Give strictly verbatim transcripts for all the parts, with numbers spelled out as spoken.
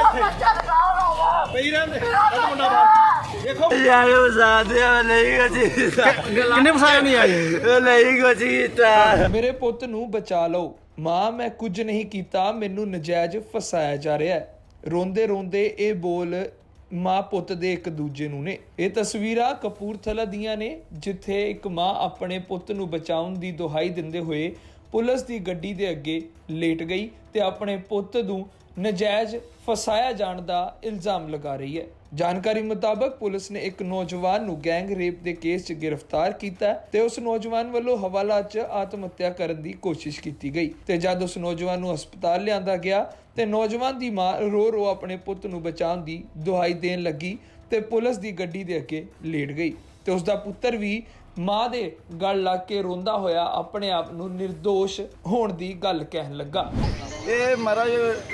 ਪਈ ਰਹਿੰਦੇ ਮੁੰਡਾ ਬਾਹਰ ਦੇਖੋ ਯਾਰ ਵਸਾਦੇ ਨਹੀਂ ਕੁਛ ਕਿੰਨੇ ਵਸਾਇਆ ਨਹੀਂ ਆਏ ਨਹੀਂ ਕੁਛ ਕੀਤਾ। ਮੇਰੇ ਪੁੱਤ ਨੂੰ ਬਚਾ ਲਓ, ਮਾਂ ਮੈਂ ਕੁਝ ਨਹੀਂ ਕੀਤਾ, ਮੈਨੂੰ ਨਜਾਇਜ਼ ਫਸਾਇਆ ਜਾ ਰਿਹਾ ਹੈ। ਰੋਂਦੇ ਰੋਂਦੇ ਇਹ ਬੋਲ ਮਾਂ ਪੁੱਤ ਦੇ ਇੱਕ ਦੂਜੇ ਨੂੰ ਨੇ। ਇਹ ਤਸਵੀਰਾਂ ਕਪੂਰਥਲਾ ਦੀਆਂ ਨੇ, ਜਿੱਥੇ ਇੱਕ ਮਾਂ ਆਪਣੇ ਪੁੱਤ ਨੂੰ ਬਚਾਉਣ ਦੀ ਦੁਹਾਈ ਦਿੰਦੇ ਹੋਏ ਪੁਲਿਸ ਦੀ ਗੱਡੀ ਦੇ ਅੱਗੇ ਲੇਟ ਗਈ ਤੇ ਆਪਣੇ ਪੁੱਤ ਨੂੰ ਨਜਾਇਜ਼ ਫਸਾਇਆ ਜਾਣ ਦਾ ਇਲਜ਼ਾਮ ਲਗਾ ਰਹੀ ਹੈ। ਜਾਣਕਾਰੀ ਮੁਤਾਬਕ ਪੁਲਿਸ ਨੇ ਇੱਕ ਨੌਜਵਾਨ ਨੂੰ ਗੈਂਗ ਰੇਪ ਦੇ ਕੇਸ 'ਚ ਗ੍ਰਿਫਤਾਰ ਕੀਤਾ ਤੇ ਉਸ ਨੌਜਵਾਨ ਵੱਲੋਂ ਹਵਾਲਾ 'ਚ ਆਤਮ ਹੱਤਿਆ ਕਰਨ ਦੀ ਕੋਸ਼ਿਸ਼ ਕੀਤੀ ਗਈ ਤੇ ਜਦ ਉਸ ਨੌਜਵਾਨ ਨੂੰ ਹਸਪਤਾਲ ਲਿਆਂਦਾ ਗਿਆ ਤੇ ਨੌਜਵਾਨ ਦੀ ਮਾਂ ਰੋ ਰੋ ਆਪਣੇ ਪੁੱਤ ਨੂੰ ਬਚਾਉਣ ਦੀ ਦੁਹਾਈ ਦੇਣ ਲੱਗੀ ਤੇ ਪੁਲਿਸ ਦੀ ਗੱਡੀ ਦੇ ਅੱਗੇ ਲੇਟ ਗਈ ਤੇ ਉਸ ਦਾ ਪੁੱਤਰ ਵੀ ਮਾਂ ਦੇ ਗਲ ਲੱਗ ਕੇ ਰੋਂਦਾ ਹੋਇਆ ਆਪਣੇ ਆਪ ਨੂੰ ਨਿਰਦੋਸ਼ ਹੋਣ ਦੀ ਗੱਲ ਕਹਿਣ ਲੱਗਾ। ਇਹ ਮਹਾਰਾਜ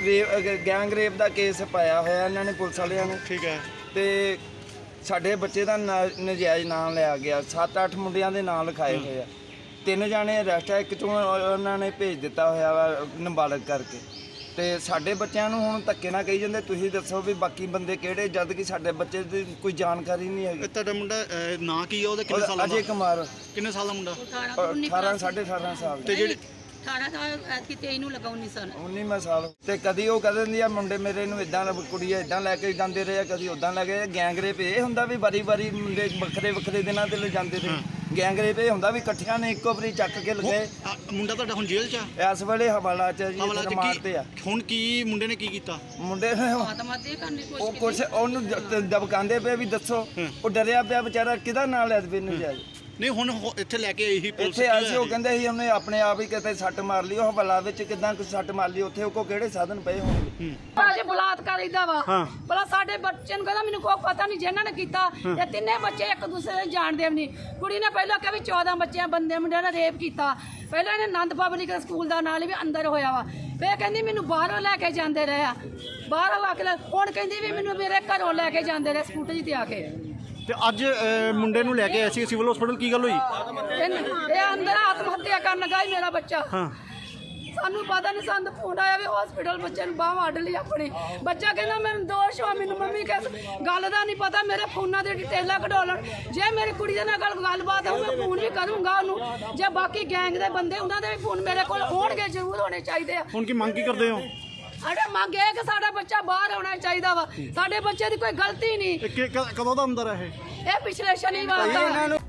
ਗੈਂਗ ਰੇਪ ਦਾ ਕੇਸ ਪਾਇਆ ਹੋਇਆ ਇਹਨਾਂ ਨੇ ਪੁਲਿਸ ਵਾਲਿਆਂ ਨੇ। ਠੀਕ ਹੈ। ਤੇ ਸਾਡੇ ਬੱਚੇ ਦਾ ਨਾ- ਨਜਾਇਜ਼ ਨਾਮ ਲਿਆ ਗਿਆ। ਸੱਤ ਅੱਠ ਮੁੰਡਿਆਂ ਦੇ ਨਾਮ ਲਿਖਾਏ ਹੋਏ ਆ। ਤਿੰਨ ਜਾਣੇ ਅਰੈਸਟ ਆ, ਇੱਕ ਚੋਂ ਉਹਨਾਂ ਨੇ ਭੇਜ ਦਿੱਤਾ ਹੋਇਆ ਵਾ ਨਾਬਾਲਗ ਕਰਕੇ। ਤੇ ਸਾਡੇ ਬੱਚਿਆਂ ਨੂੰ ਹੁਣ ਧੱਕੇ ਨਾਲ ਕਹੀ ਜਾਂਦੇ ਤੁਸੀਂ ਦੱਸੋ ਵੀ ਬਾਕੀ ਬੰਦੇ ਕਿਹੜੇ, ਜਦ ਕਿ ਸਾਡੇ ਬੱਚੇ ਦੀ ਕੋਈ ਜਾਣਕਾਰੀ ਨਹੀਂ ਹੈਗੀ। ਤੁਹਾਡਾ ਮੁੰਡਾ ਨਾਂ ਕੀ ਆ, ਉਹਦਾ ਕਿੰਨੇ ਸਾਲ ਦਾ? ਅਜੇ ਕੁਮਾਰ ਕਿੰਨੇ ਸਾਲ ਦਾ ਮੁੰਡਾ? ਅਠਾਰਾਂ ਸਾਢੇ ਅਠਾਰਾਂ ਸਾਲ ਤੇ ਜਿਹੜੇ ਅਠਾਰਾਂ ਸਾਲ ਐਤਕੀ ਤੇਈ ਨੂੰ ਲਗਾ ਉੱਨੀ ਸਾਲ ਉੱਨੀਵਾਂ ਸਾਲ। ਤੇ ਕਦੀ ਉਹ ਕਹਿ ਦਿੰਦੀ ਆ ਮੁੰਡੇ ਮੇਰੇ ਨੂੰ ਇਦਾਂ ਕੁੜੀਆਂ ਇਦਾਂ ਲੈ ਕੇ ਜਾਂਦੇ ਰਹੇ ਆ, ਕਦੀ ਉਦਾਂ ਲੈ ਕੇ। ਗੈਂਗ ਰੇਪ ਇਹ ਹੁੰਦਾ ਵੀ ਵਾਰੀ ਵਾਰੀ ਮੁੰਡੇ ਵੱਖਰੇ ਵੱਖਰੇ ਦਿਨਾਂ ਤੇ ਲੈ ਜਾਂਦੇ ਰਹੇ। ਗੈਂਗ ਰੇਪ ਇਹ ਹੁੰਦਾ ਵੀ ਇਕੱਠਿਆਂ ਨੇ ਇੱਕੋ ਵਾਰੀ ਚੱਕ ਕੇ ਲਗਾਏ। ਆ, ਮੁੰਡਾ ਤੁਹਾਡਾ ਹੁਣ ਜੇਲ੍ਹ 'ਚ ਆ? ਇਸ ਵੇਲੇ ਹਵਾਲਾ ਚ ਜੀ ਹਵਾਲਾ 'ਚ ਰਿਮਾਂਡ ਕੀ- ਤੇ ਆ। ਹੁਣ ਕੀ ਮੁੰਡੇ ਨੇ ਕੀ ਕੀਤਾ? ਮੁੰਡੇ ਨੇ ਆਤਮਾ ਦੇ ਕਰਨ ਦੀ ਉਹ ਕੋਸ਼ਿਸ਼ ਕੁਛ ਉਹਨੂੰ ਦ- ਦਬਕਾਉਂਦੇ ਪਏ ਵੀ ਦੱਸੋ। ਉਹ ਡਰਿਆ ਪਿਆ ਵਿਚਾਰਾ, ਕਿਹਦਾ ਨਾਂ ਲੈ ਦੇਵੇ ਨਜਾਇਜ਼। ਨਹੀਂ ਹੁਣ ਹੋ- ਇੱਥੇ ਲੈ ਕੇ ਆਈ ਸੀ ਪੁਲਿਸ। ਇੱਥੇ ਆਏ ਸੀ, ਉਹ ਕਹਿੰਦੇ ਸੀ ਉਹਨੇ ਆਪਣੇ ਆਪ ਹੀ ਕਿਤੇ ਸੱਟ ਮਾਰ ਲਈ। ਉਹ ਹਵਾਲਾ ਵਿੱਚ ਕਿਦਾਂ ਕੁ ਸੱਟ ਮਾਰ ਲਈ, ਉੱਥੇ ਉਹ ਕੋ ਕਿਹੜੇ ਸਾਧਨ ਪਏ ਹੋਣਗੇ। ਅਜੇ ਬਲਾਤਕਾਰ ਇਦਾਂ ਵਾ ਭਲਾ ਸਾਡੇ ਬੱਚੇ ਨੂੰ ਕਹਿੰਦਾ ਮੈਨੂੰ ਕੋਈ ਪਤਾ ਨਹੀਂ ਜਿਹਨਾਂ ਨੇ ਕੀਤਾ। ਇਹ ਤਿੰਨੇ ਬੱਚੇ ਇੱਕ ਦੂਸਰੇ ਨੂੰ ਜਾਣਦੇ ਵੀ ਨਹੀਂ। ਕੁੜੀ ਨੇ ਪਹਿਲਾਂ ਕਿਹਾ ਵੀ ਚੌਦਾਂ ਬੱਚਿਆਂ ਬੰਦੇ ਮੁੰਡਿਆਂ ਨੇ ਰੇਪ ਕੀਤਾ। ਪਹਿਲਾਂ ਇਹਨੇ ਆਨੰਦ ਪਬਲਿਕ ਸਕੂਲ ਦਾ ਨਾਲ ਵੀ ਅੰਦਰ ਹੋਇਆ ਵਾ। ਫੇਰ ਕਹਿੰਦੀ ਮੈਨੂੰ ਬਾਹਰੋਂ ਲੈ ਕੇ ਜਾਂਦੇ ਰਹੇ ਆ, ਬਾਹਰੋਂ ਆ ਕੇ ਲੈ- ਹੁਣ ਕਹਿੰਦੀ ਵੀ ਮੈਨੂੰ ਮੇਰੇ ਘਰੋਂ ਲੈ ਕੇ ਜਾਂਦੇ ਰਹੇ ਸਕੂਟਰੀ ਤੇ ਆ ਕੇ। ਤੇ ਅੱਜ ਅਹ, ਮੁੰਡੇ ਨੂੰ ਲੈ ਕੇ ਆਏ ਸੀ ਸਿਵਲ ਹਸਪੀਟਲ, ਕੀ ਗੱਲ ਹੋਈ? ਇਹਨੇ- ਇਹ ਅੰਦਰ ਆਤਮ ਹੱਤਿਆ ਕਰਨ ਲੱਗਾ ਸੀ ਮੇਰਾ ਬੱਚਾ। ਹਾਂ। ਸਾਨੂੰ ਪਤਾ ਨਹੀਂ, ਸਾਨੂੰ ਫੋਨ ਆਇਆ ਵੀ ਹਸਪੀਟਲ ਬੱਚੇ ਨੂੰ ਬਾਹ ਵੱਢ ਲਈ ਆਪਣੀ। ਬੱਚਾ ਕਹਿੰਦਾ ਮੈਨੂੰ ਦੋਸ਼ ਹੋ, ਮੈਨੂੰ ਮੰਮੀ ਕਿਸ ਗੱਲ ਦਾ ਨਹੀਂ ਪਤਾ। ਮੇਰੇ ਫੋਨਾਂ ਦੇ ਡਿਟੇਲਾਂ ਕਢੋਲਣ। ਜੇ ਮੇਰੀ ਕੁੜੀ ਦੇ ਨਾਲ ਗੱਲ ਗੱਲਬਾਤ ਹੋਊ ਮੈਂ ਫੋਨ ਵੀ ਕਰੂੰਗਾ ਉਹਨੂੰ। ਜੇ ਬਾਕੀ ਗੈਂਗ ਦੇ ਬੰਦੇ ਉਹਨਾਂ ਦੇ ਵੀ ਫੋਨ ਮੇਰੇ ਕੋਲ ਹੋਣਗੇ, ਜ਼ਰੂਰ ਹੋਣੇ ਚਾਹੀਦੇ ਆ। ਹੁਣ ਕੀ ਮੰਗ ਕੀ ਕਰਦੇ ਹੋ? ਸਾਡੇ ਮੰਗ ਇਹ ਕਿ ਸਾਡਾ ਬੱਚਾ ਬਾਹਰ ਆਉਣਾ ਚਾਹੀਦਾ ਵਾ। ਸਾਡੇ ਬੱਚੇ ਦੀ ਕੋਈ ਗਲਤੀ ਨਹੀਂ। ਇਹ ਕਿ- ਕ- ਕਦੋਂ ਦਾ ਅੰਦਰ ਹੈ ਇਹ? ਇਹ ਪਿਛਲੇ ਸ਼ਨੀਵਾਰ ਦਾ